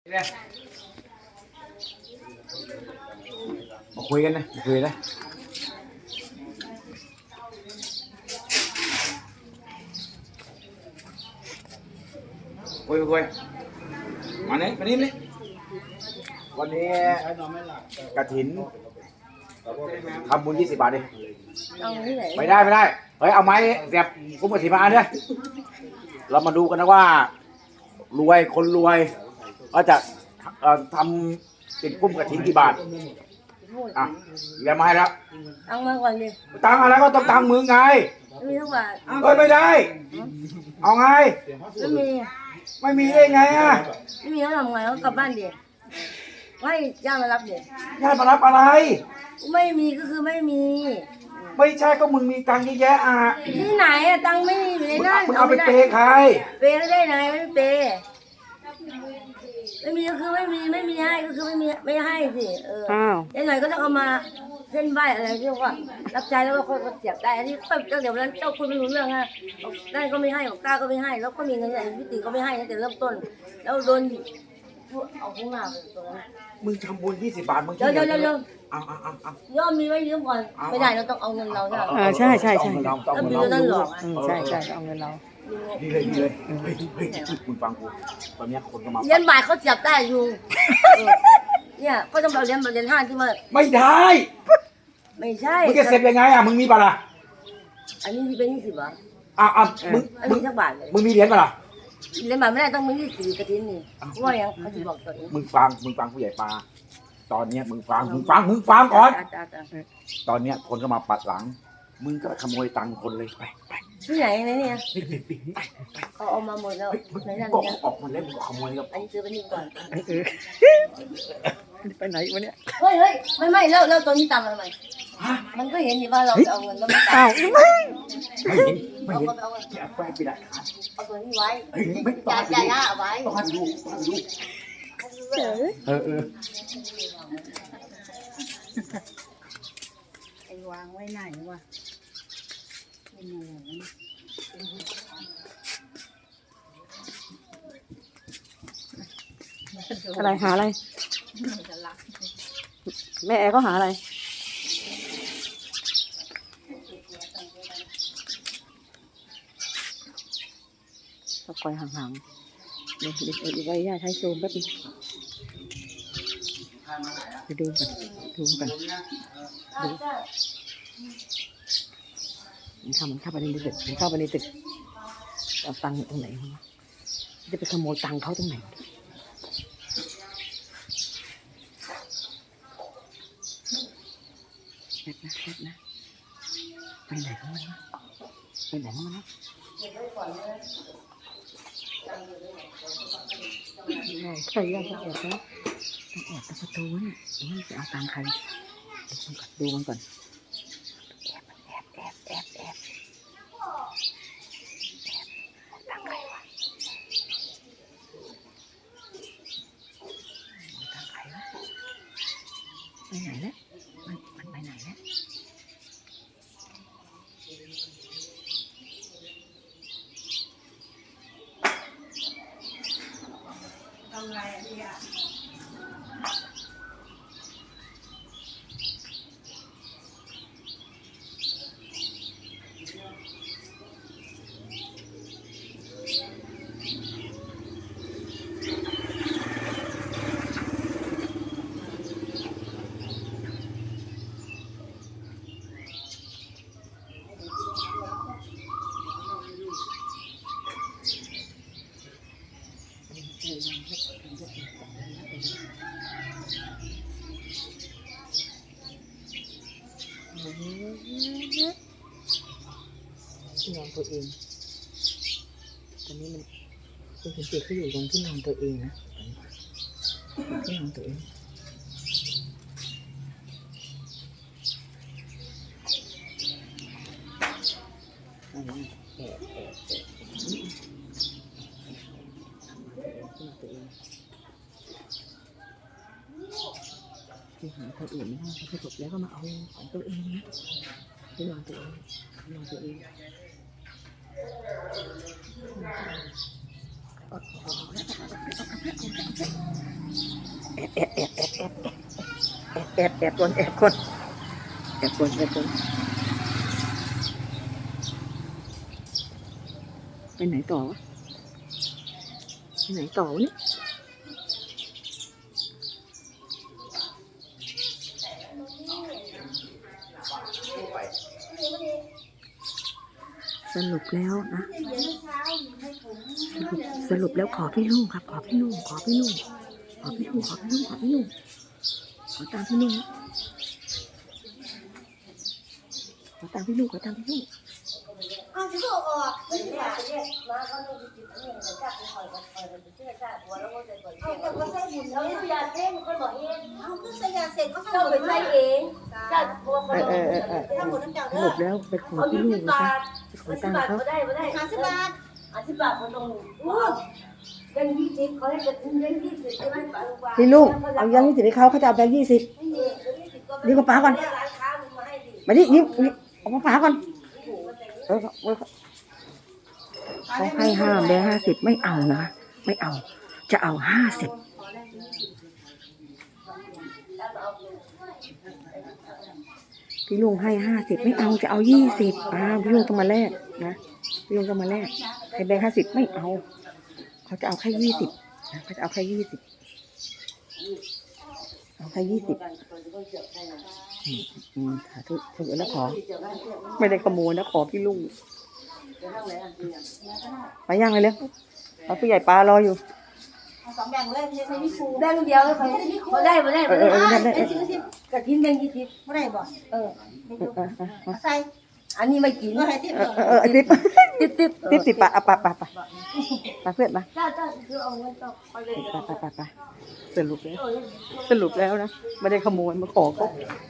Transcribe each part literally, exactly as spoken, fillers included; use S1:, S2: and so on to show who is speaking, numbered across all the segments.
S1: มาคุยกันนะมาคุยนะคุยคุยมาเนี่ยมานี่นี่วันนี้กฐินทำบุญยี่สิบบาทดิไม่ได้ไม่ได้เฮ้ยเอาไม้เสียบกุ้งกฐินมาเนี่ยเรามาดูกันนะว่ารวยคนรวยก็จะทำติดกุ้งกฐินกี่บาทอ่ะเรียกมาให้แล้ว
S2: ตังมาก่อนดิ
S1: ตังอะไรก็ต้องตังมึงไง
S2: มีทุกบาท
S1: เอ้ยไม่ได้เอาไง
S2: ไม่มี
S1: ไม่มีได้ไงอ่ะ
S2: ไม่มีเขาทำไงเขากลับบ้านดิไม่ย่ามารับดิ
S1: ย่ามารับอะไร
S2: ไม่มีก็คือไม่มี
S1: ไม่ใช่ก็มึงมีตังค์เยอะแยะอ่ะ
S2: ที่ไหนอะตังค์ไม่มีอยู่ในนั้น
S1: มึงเอาไปเปย์ใคร
S2: เปย์ได้ไงไม่เปย์ไม่มีก็คือไม่มีไม่มีให้ก็คือไม่มีไม่ให้สิเออยังไงก็ต้องเอามาเส้นใบอะไรที่ว่ารับใจแล้วก็ค่อยเสียบได้อันนี้ก็เดี๋ยวนั้นเจ้าคุณไม่รู้เรื่องฮะได้ก็ไม่ให้กล้าก็ไม่ให้แล้วก็มีเงินใหญ่พิธีก็ไม่ให้ตั้งแต่เริ่มต้นแล้วโดนเอาข้างหน้าไปตรงนั้น
S1: มึงทำบุญยี่สิบบาทมึง
S2: เดี๋ยวเดี๋ยวเดี๋ยว
S1: เอาเอาเอาเอา
S2: ย่อมมีไว้ยืมก่อนไม่ได้เราต้องเอาเงินเราใช่ไหม
S3: อ่าใช่ใช่ใช่
S2: ต้องมีเงินหลอก
S3: ใช่ใช่เอาเงินเรา
S1: ดีเลยดีเลยเฮ้ยเฮ้ยคุณฟังกูตอนนี้คนก็มา
S2: เรียนบ่ายเขาเสียบได้อยู่เนี่ยก็ต้องเราเรียนแบบเรียนห้าที่มา
S1: ไม่ได้
S2: ไม่ใช่
S1: มึงจะเสร็จยังไงอ่ะมึงมีป่ะล่ะ
S2: อันนี้เป็นยี่สิบบาท
S1: อ่ะอ่ะมึง
S2: มึงสักบาทเลย
S1: มึงมีเหรียญป่ะล่ะ
S2: เหรียญบาทไม่ได้ต้องมียี่สิบกระถิ่นนี่ว่าอย่างเขาจะบอกตัวเอง
S1: มึงฟังมึงฟังผู้ใหญ่ปลาตอนเนี้ยมึงฟังมึงฟังมึงฟังก่อนตอนเนี้ยคนก็มาปัดหลังมึงก็ขโมยตังค์คนเลยไปไป
S2: ที่ไหนในเนี่ยเขาเอามาหมดแล้วในนั้น
S1: เนี่ยออกมาแล้วมึงก็ขโมยกับ
S2: อันนี้ซื้อไปนี่ก่อน
S3: ไปไหนวะเนี่ย
S2: เฮ้ยเฮ้ยไม่ไม่แล้วแล้วตัวนี้ตามมาทำไมมันก็เห็นอยู่ว่าเราเอาเงินแล้วไม่ตาม
S1: ไม่เห็นไม่เห็นอย่าไปปิดอ่ะ
S2: เอาตัวนี้ไว้
S1: ไม่
S2: ต้องจ่ายเอาไว้
S1: ต้องให้ดูต้องให้ดูเออเออ
S2: ไอ้วางไว้ไหนวะ
S3: อะไรหาอะไรแม่แอร์ก็หาอะไรตะกอยห่างๆเดี๋ยวเดี๋ยวไว้ย่าใช้ซูมแป๊บนึงไปดูกันดูกันดูมันเข้ามันเข้าไปในตึกมันเข้าไปในตึกเอาตังค์ตรงไหนวะจะไปขโมยตังค์เขาตรงไหนเด็ดนะเด็ดนะไปไหนของมันวะไปไหนของมันวะใครอยากจะแอบนะต้องแอบตรงประตูเนี่ยนี่จะเอาตังค์ใครดูมันก่อนแอบแอบแอบแอบแอบตังค์ใครวะตังค์ใครวะไปไหนแล้วมันมันไปไหนแล้ว
S2: ทำไรอ่ะพี่อ่ะ
S3: ที่นอนตัวเองตอนนี้มันคุณสังเกตเขาอยู่ตรงที่นอนตัวเองนะที่นอนตัวเองอันนี้แอบแอบแอบที่นอนตัวเองที่หาคนอื่นไม่ได้เขาจบแล้วก็มาเอาของตัวเองนะที่นอนตัวเองที่นอนตัวเองแอบแอบแอบแอบแอบแอบแอบคนแอบคนแอบคนแอบคนไปไหนต่อวะไปไหนต่อวะเนี่ยสรุปแล้วนะสรุปแล้วขอพี่ลุงครับขอพี่ลุงขอพี่ลุงขอพี่ลุงขอพี่ลุงขอพี่ลุงขอตามพี่ลุงขอตามพี่ลุงขอตามพี่ลุง
S2: เอาจะบอกออกไม่ได้เนี่ยมาเขาต้องจิตเนี่ยจะจับไปคอยคอยมันจะเชื่อจ้าหัวแล้วก็จะเปิดเอาแต่ก็ใส่บุญแล้วเนี่ยยาเส้นคนบอกเองเอาก็ใส่ยาเสร็จก็เข้าไปใส่เองจ้าบัวคนบอกถ้าบุญน้ำเจ้า
S3: สรุปแล้วไปขอพี่ลุงนะคะไปขอ
S2: สิ
S3: ตั
S2: บ
S3: ง
S2: บาท
S3: ค์เขา
S2: ก็ได้ก็ได้ห้าสิบบาทห้าสิบบาทคนตรงนู้นยังยี่สิบเขาให้จะคุ้มยังยี่สิบใช่ไหมป้า
S3: พี่ลุงเอายังยี่สิบให้เขาเขาจะเอาแบงค์ยี่สิบนี่ก็ป้าก่อนมาดินี่นี่เอามาป้าก่อนเออเออเขาให้ห้าแบงค์ห้าสิบไม่เอานะไม่เอาจะเอาห้าสิบพี่ลุงให้ห้าสิบไม่เอาจะเอายี่สิบอ้าวพี่ลุงต้องมาแลกนะพี่ลุงต้องมาแลกให้แบงค์ห้าสิบไม่เอาเขาจะเอาแค่ยี่สิบนะเขาจะเอาแค่ยี่สิบเอาแค่ยี่สิบอืมสาธุถึงแล้วขอไม่ได้ขโมยนะขอพี่ลุงไปย่างเลยเร็วเอาผู้ใหญ่ปลารออยู่
S2: สองแบ่งเลยไม่ใช่พี่ครูแบ่งเดียวเลยเขาเขาได้มาได้มาได้กระทิ้งแบ่งยี่สิบไม่ได้บ่เออใส่อันนี้ไม่กินก็ให้ทิป
S3: เออเออติ๊บติ๊บติ๊บติ๊บสิบปะอ่ะปะปะปะปะเพื่อนปะ
S2: จ้าจ้าคือเอาเงินต่อไปเลย
S3: ปะปะปะปะสรุปแล้วสรุปแล้วนะไม่ได้ขโมยมาขอเขา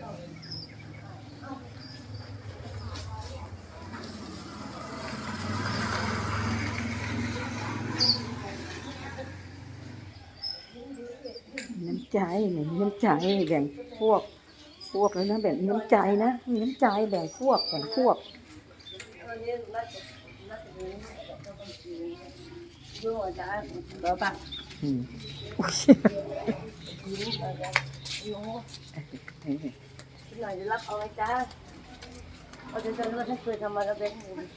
S3: น้ำใจไหนมีน้ำใจแบ่งพวกพวกแล้วนะแบ่งน้ำใจนะมีน้ำใจแบ่งพวกแบ่งพวก
S2: เบอร์ปะ
S3: อืมโอ้ย
S2: หน่อยจะรับเอาไว้จ้าเอาจะจะรู้ถ้าเคยทำมาแล้วเป็น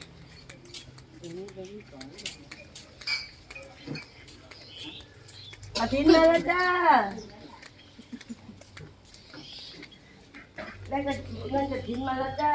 S2: อาทิตย์มาแล้วจ้าได้กระเงินกระถิ่นมาแล้วจ้า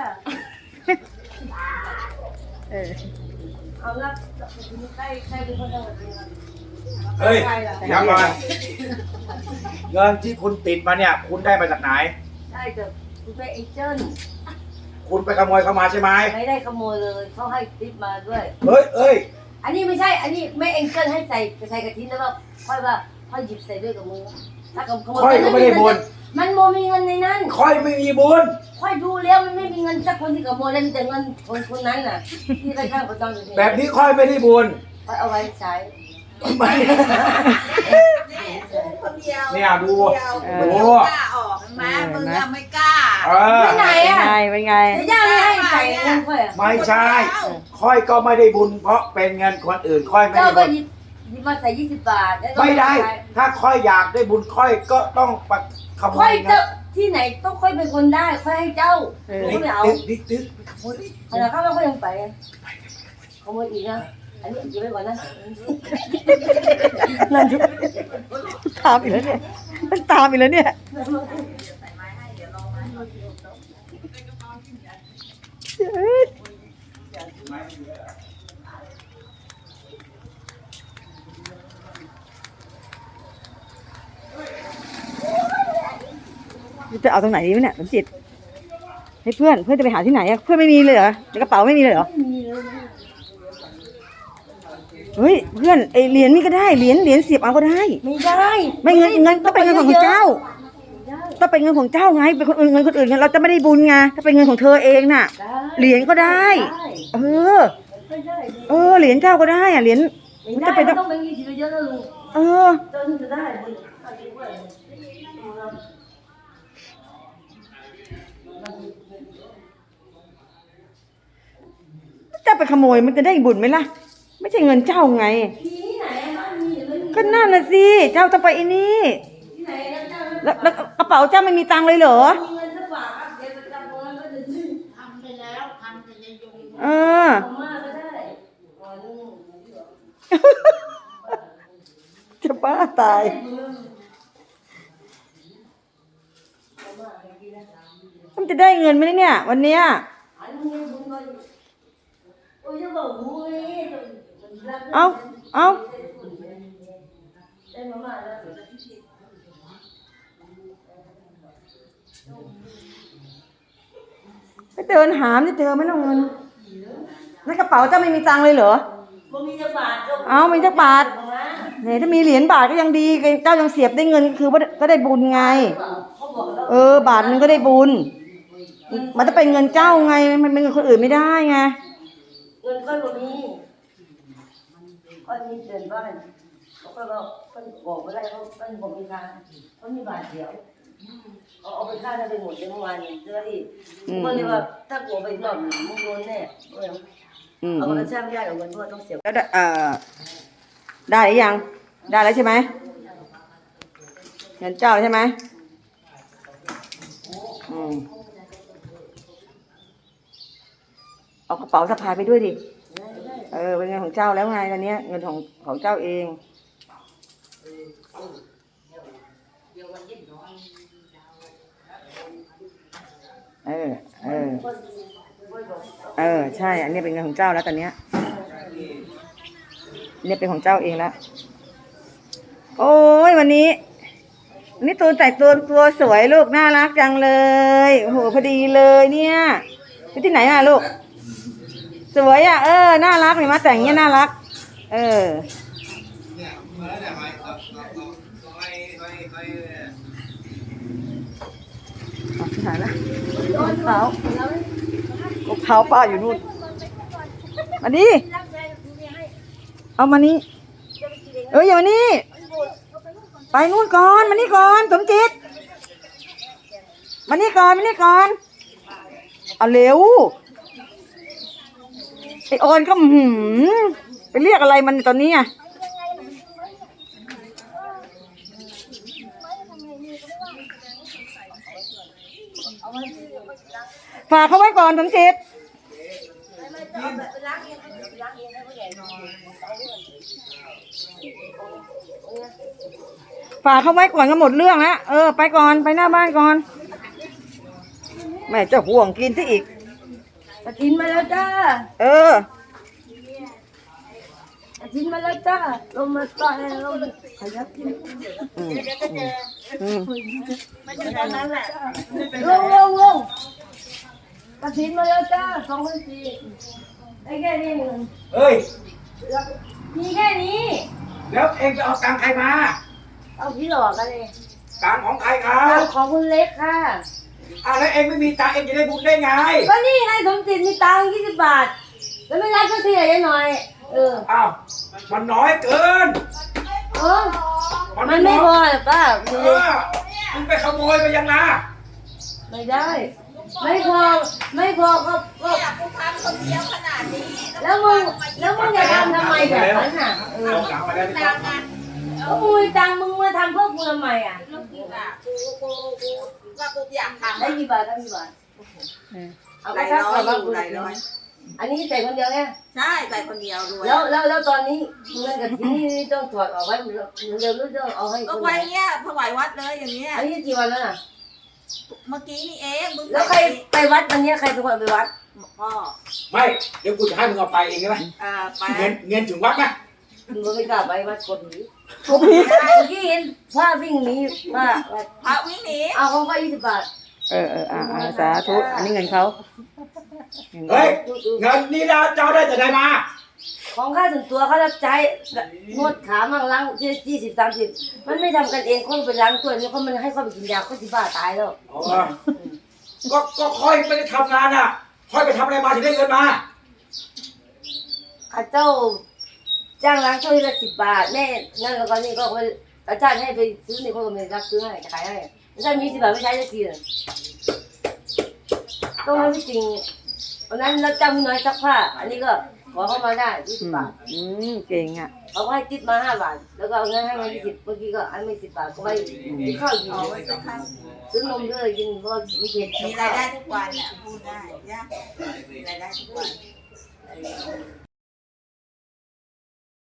S3: เออ
S2: เอาละใครใครเป็นคนทำแบบนี้
S1: เฮ้ยยังไงเงินที่คุณติดมาเนี่ย คุณได้มาจากไหน
S2: ใช่จ้ะคุณเป็นเอเจนต์
S1: คุณไปขโมยเข้ามาใช่ไหม
S2: ไม่ได้ขโมยเลยเขาให้ทิปมาด้วย
S1: เฮ้ยเอ้ย
S2: อันนี้ไม่ใช่ อันนี้ไม่เอเจนต์ให้ใส่ใส่กระถิ่นแล้วก็ค่อยว่าค่อยหยิบใส่ด้วยกับมือถ้ากับขโมย
S1: ค่อยก็ไม่ได้บุญ
S2: มันโมมีเงินในนั้น
S1: ค่อยไม่มีบุญ
S2: ค่อยดูแล้วมันไม่มีเงินสักคนที่ขโมยแล้วมีแต่เงินคนคนนั้นน่ะที่ไปข้างประตูอยู่
S1: แบบนี้ค่อยไม่ได้บุญ
S2: ค่อยเอาไว้ใช้
S1: ไม่
S4: คนเดียว
S1: เนี่ยดู
S4: คนเดียว
S1: ดู
S4: กล้าออกไหมมึงอะไม่กล้า
S1: เออ
S2: ไม่ไหน
S3: เป็น
S2: อ่ะ
S3: ไงเป็นไง
S2: แต่ย่าไม่ให้ใส่เงินค่อยอะ
S1: ไม่ใช่ ค่อยก็ไม่ได้บุญ เพราะเป็นเงินคนอื่น ค่อยไม่
S2: เจ้า
S1: ได้
S2: ก็
S1: บุญ
S2: หยิบหยิบมาใส่ยี่สิบบาทแล้วก็
S1: ไม่ได้
S2: ใส่ ถ้า
S1: ถ้าค่อยอยากได้บุญค่อยก็ต้องไปขโม
S2: ค่อย
S1: ย
S2: เจ้า
S1: นะ
S2: ที่ไหนต้องค่อยเป็นคนได้ค่อยให้เจ้า
S3: เออ
S2: ผมก็ไม่เอา
S1: ติ๊กติ๊กติ๊กขโมยดิ
S2: ขณะเข้ามาก็ยังไปขโมยอีกนะอันนี้เก็บไว้ก่อนนะ
S3: นั่นจุตามอีกแล้วเนี่ยมันตามอีกแล้วเนี่ยจะเอาตรงไหนดีวะเนี่ยสมจิตให้เพื่อนเพื่อนจะไปหาที่ไหนอะเพื่อนไม่มีเลยเหรอในกระเป๋าไม่มีเลยเหรอเฮ้ยเพื่อนไอเหรียญนี่ก็ได้เหรียญเหรียญเสียบเอาก็ได้
S2: ไม่ได้
S3: ไม่เงินเงินก็เป็นเงินของเจ้าถ้าเป็นเงินของเจ้าไงเป็นคนอื่นเงินคนอื่นไงเราจะไม่ได้บุญไงถ้าเป็นเงินของเธอเองน่ะ เหรียญก็ได้ เออ
S2: ไม่ได้
S3: เออเหรียญเจ้าก็ได้อะเหรียญ
S2: ไม่ได้ไม่ต้องเป็นยี่สิบเยอะนะลุง
S3: เออ
S2: เจ้าถึงจะได้บุญ
S3: เจ้าไปขโมยมันจะได้บุญไหมล่ะ ไม่ใช่เงินเจ้าไง
S2: ที่ไหนอะ
S3: ก็นั่นน่ะสิเจ้าต้องไปอันนี้
S2: ที่ไหนแล้วเจ้า
S3: แล้วแล้วกระเป๋าเจ้าไม่มีตังค์เลยเหรอ
S2: มีเงินสักบาทครับเดี๋ยวไปจำตรงนั้นก็จะซื้อ
S4: ทำไปแล้วทำไปในยง
S3: เออ
S2: เอามาก็ได้อ๋อนี่
S3: จะบ้าตายมันจะได้เงินไหมเนี่ย วันเนี้ย
S2: อันนี้บุญก็โอ้ยจะบอกหูเลย
S3: เอาเอา
S2: ได้มาม่าแล้ว
S3: ไปเดินหามจะเจอไหมน้องเงินในกระเป๋าเจ้าไม่มีตังค์เลยเหรอ
S2: บ่มีจักบาทจ้
S3: เอามีจักบาทเนี่ยถ้ามีเหรียญบาทก็ยังดีเจ้ายังเสียบได้เงินคือว่าก็ได้บุญไง
S2: เขาบอกแล้ว
S3: เออบาทนึงก็ได้บุญ มันจะเป็นเงินเจ้าไง มันเป็นเงินคนอื่นไม่ได้ไง
S2: เงินก็บ่มีก็มีเดินบ้านเขาก็บอกเขาบอกว่าได้เขาเป็นบอกมีทางเขามีบาทเดียวเอาเอาไปฆ่าได้ไปหมดเลยเมื่อวานนี้เจอที่ก็เลยว่าถ้ากลัวไปรอบหนึ่งมึงโดนแน่
S3: อืม
S2: เอากระช่างไม่ได้เอาเงินเพราะว่าต้องเสีย
S3: แล้วได้เอ่อได้หรือยัง ได้แล้วใช่ไหมเงินเจ้าใช่ไหมอืมเอากระเป๋าสะพายไปด้วยดิ เออ เป็นเงินของเจ้าแล้วไงตอนเนี้ยเงินของของเจ้าเอง เออ เออ เออ ใช่ อันนี้เป็นเงินของเจ้าแล้วตอนเนี้ยเนี่ยเป็นของเจ้าเองแล้ว โอ้ยวันนี้วันนี้ตัวแต่งตัวตัวสวยลูกน่ารักจังเลยโอ้โหพอดีเลยเนี่ยไปที่ไหนมาลูก สวยอ่ะเออน่ารักเห็นไหมแต่งเงี้ยน่ารัก เออเอาที่ไหนละกบเขากบเขาป้าอยู่นู่นมาดิเอามานี่เอออย่ามานี่ไปนู่นก่อนมานี่ก่อนสมจิตมานี่ก่อนมานี่ก่อนเอาเร็วไอออนก็หืมไปเรียกอะไรมันตอนนี้อ่ะฝากเขาไว้ก่อนสมจิตฝากเขาไว้ก่อนก็หมดเรื่องแล้วเออไปก่อนไปหน้าบ้านก่อนแม่จะห่วงกินซะอีก
S2: กระถินมาแล้วจ้า
S3: เออก
S2: ระถินมาแล้วจ้าลงมาต่อยลงขยับกิน
S3: อืมอืม
S2: ลงลงลงกระถินมาแล้วจ้าสองพันสี่ไอ้แค่นี้เงิน
S1: เอ้ย
S2: มีแค่นี้
S1: แล้วเองไปเอาตังค์ใครมา
S2: เอาพี่หลอกกันเลย
S1: ตังค์ของใครครั
S2: ตั
S1: บ
S2: งของคุณเล็กค่ะ
S1: อ่ะแล้วเองไม่มีตังค์เองจะได้บุญได้ไง
S2: ก็นี่ไงสมจิตมีตังค์ยี่สิบบาท แล้วไม่รับสักทีอะยายหน่อย เออ
S1: อ้าว มันน้อยเกิน
S2: เออมันไม่พอหรอป้า
S1: เออมึงไปขโมยไปยังนะ
S2: ไม่ได้ ไม่พอ ไม่พอก็ก็
S4: กูทำคนเดียวขนาดนี้
S2: แล้วมึง แล้วมึงจะทำทำไมแบบนั้นอ่ะ เออ
S1: เอาหลังมาได้ไหมค
S4: ตั
S1: รับ
S4: งค์อ่ะ
S2: ก็มึงมีตังค์มึงมาทำเพื่อกูทำไมอ่ะ
S4: ลูกกูอ่ะกูกูกูว่ากูอยากทำ
S2: ได้กี่บาทได้กี่บาท เอา
S4: ห
S2: ไป
S4: ลาย
S2: ทัก
S4: ร้อย
S2: ก่อน
S4: อ
S2: ว่า
S4: ยู่
S2: กู
S4: หลายร้อย
S2: อันนี้ใส่คนเดียวไง
S4: ใช่ใส่คนเดียวด้วย
S2: แล้วแล้วแล้วตอนนี้เงินกับที่นี่ต้องถอดออกไว้เร็วๆหรือต้องเอาให้
S4: ก็
S2: คน
S4: ไว้
S2: ไหน
S4: เงี้ยถวายวัดเลยอย่างเงี้ย
S2: อันนี้กี่วันแล้วน่ะ
S4: เมื่อกี้นี่เองมึง
S2: แล้วใครไปวัดวันนี้ใครเป็นคนไปวัด
S4: พ่อ
S1: ไม่ เดี๋ยวกูจะให้มึงเอาไปเองใช่ไหม
S4: อ่าไป
S1: เงินเงินถึงวัดไหม
S2: มึงก็ไม่กล้าไปวัดกดหนี
S3: ทุบพี
S2: เมื่อกี้เห็นว่าวิ่งหนีว่า
S4: พระวิ่งหนี
S2: เอาของก็ยี่สิบบาท
S3: เออเอออ่าอ่าสาธุอันนี้เงินเขาเงิน
S1: เฮ้
S3: เขา
S1: ย เงินนี่เราเจ้าได้แต่ไหนมา
S2: ของค่าส่วนตัวเขารับใช้นวดขามั่งล้างยี่สิบสามสิบมันไม่ทำกันเองคนไปล้างตัวนี่เขามันให้เขาไปกินยาเขาสิบ้าตายแล้ว
S1: อ๋อก็ ก็ค่อยไม่ได้ทำงานอ่ะ ค่อยไปทำอะไรมาถึงได้เงินมา
S2: ข้าเจ้าจ้างล้างถ้วยละสิบบาทแม่นั่นแล้วก็นี่ก็อาจารย์ให้ไปซื้อนี่เขาก็ไม่รับซื้อให้ขายให้ถ้ามีสิบบาทไม่ใช้สักทีต้องให้ไม่จริงวันนั้นเราจำน้อยซักผ้าอันนี้ก็ขอเข้ามาได้ยี่สิบบาท
S3: อืมเก่งอ่ะ
S2: เขาให้ติดมาห้าบาทแล้วก็เอาเงินให้มายี่สิบเมื่อกี้ก็อันไม่สิบบาทก็ไปกินข้าวกิน
S4: เอาไว้สักครั้ง
S2: ซื้อนมด้วยกินเพราะไม่เผ็ด
S4: มีรายได้ทุกวันเนี่ยพูดได้ยากมีรายได้ทุกวัน